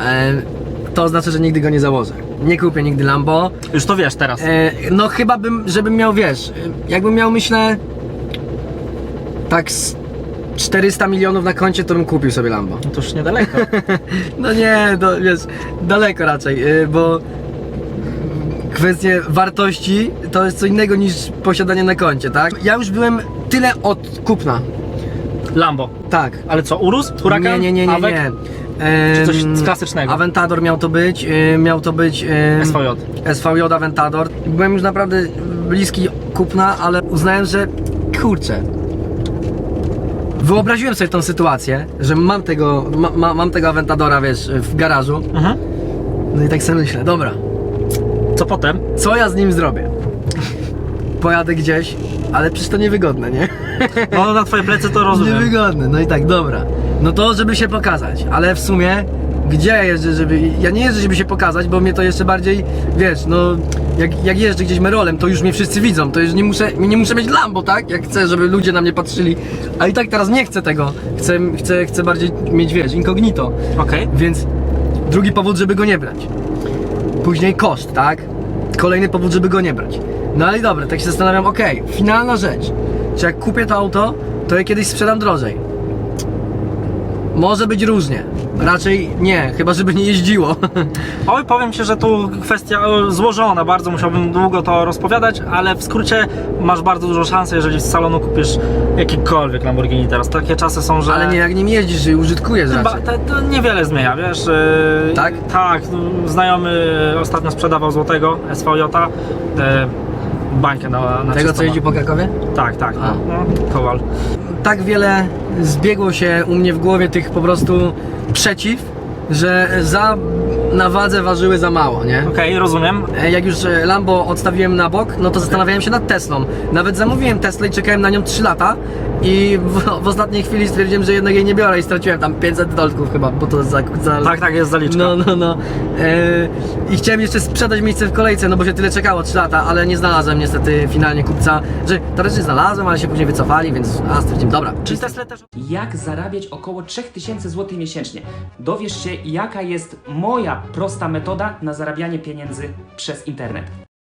to oznacza, że nigdy go nie założę. Nie kupię nigdy Lambo. Już to wiesz teraz. No chyba żebym miał, wiesz, jakbym miał, myślę, tak z 400 milionów na koncie, to bym kupił sobie Lambo. No to już niedaleko. No nie, wiesz, daleko raczej, bo kwestie wartości to jest co innego niż posiadanie na koncie, tak? Ja już byłem tyle od kupna. Lambo. Tak. Ale co, Urus? Huracan? Nie. Awek? Czy coś klasycznego? Aventador miał to być, SVJ. SVJ Aventador. Byłem już naprawdę bliski kupna, ale uznałem, że kurczę. Wyobraziłem sobie tą sytuację, że mam tego Aventadora, wiesz, w garażu. Mhm. No i tak sobie myślę, dobra, Co potem? co ja z nim zrobię? Pojadę gdzieś, ale przecież to niewygodne, nie? No na twoje plecy to rozumiem. Niewygodne, no i tak, dobra. No to żeby się pokazać, ale w sumie gdzie ja jeżdżę, ja nie jeżdżę, żeby się pokazać, bo mnie to jeszcze bardziej, wiesz, no jak jeżdżę gdzieś Merolem, to już mnie wszyscy widzą, to już nie muszę mieć Lambo, tak? Jak chcę, żeby ludzie na mnie patrzyli, a i tak teraz nie chcę tego, chcę bardziej mieć, wiesz, incognito. Okej. Więc drugi powód, żeby go nie brać. Później koszt, tak? Kolejny powód, żeby go nie brać. No ale dobra, tak się zastanawiam, okej, finalna rzecz. Czy jak kupię to auto, to je kiedyś sprzedam drożej? Może być różnie. Raczej nie, chyba żeby nie jeździło. Oj, powiem ci, że tu kwestia złożona, bardzo musiałbym długo to rozpowiadać, ale w skrócie masz bardzo dużo szansy, jeżeli z salonu kupisz jakikolwiek Lamborghini teraz. Takie czasy są, że... Ale nie, jak nim jeździsz i użytkujesz raczej. To niewiele zmienia, wiesz? Tak? Tak, znajomy ostatnio sprzedawał złotego SVJ, bańkę na Tego, czysto co jeździ po Krakowie? Tak, A. no, Kowal. Tak wiele zbiegło się u mnie w głowie tych po prostu przeciw, że na wadze ważyły za mało, nie? Okej, rozumiem. Jak już Lambo odstawiłem na bok, no to zastanawiałem się nad Teslą. Nawet zamówiłem Teslę i czekałem na nią 3 lata i w ostatniej chwili stwierdziłem, że jednak jej nie biorę i straciłem tam $500 chyba, bo to za... Tak, jest zaliczka. No. I chciałem jeszcze sprzedać miejsce w kolejce, no bo się tyle czekało, 3 lata, ale nie znalazłem niestety finalnie kupca, że teoretycznie znalazłem, ale się później wycofali, więc stwierdziłem, dobra. Czyli Tesla też... Jak zarabiać około 3000 zł miesięcznie? Dowiesz się, jaka jest moja prosta metoda na zarabianie pieniędzy przez internet.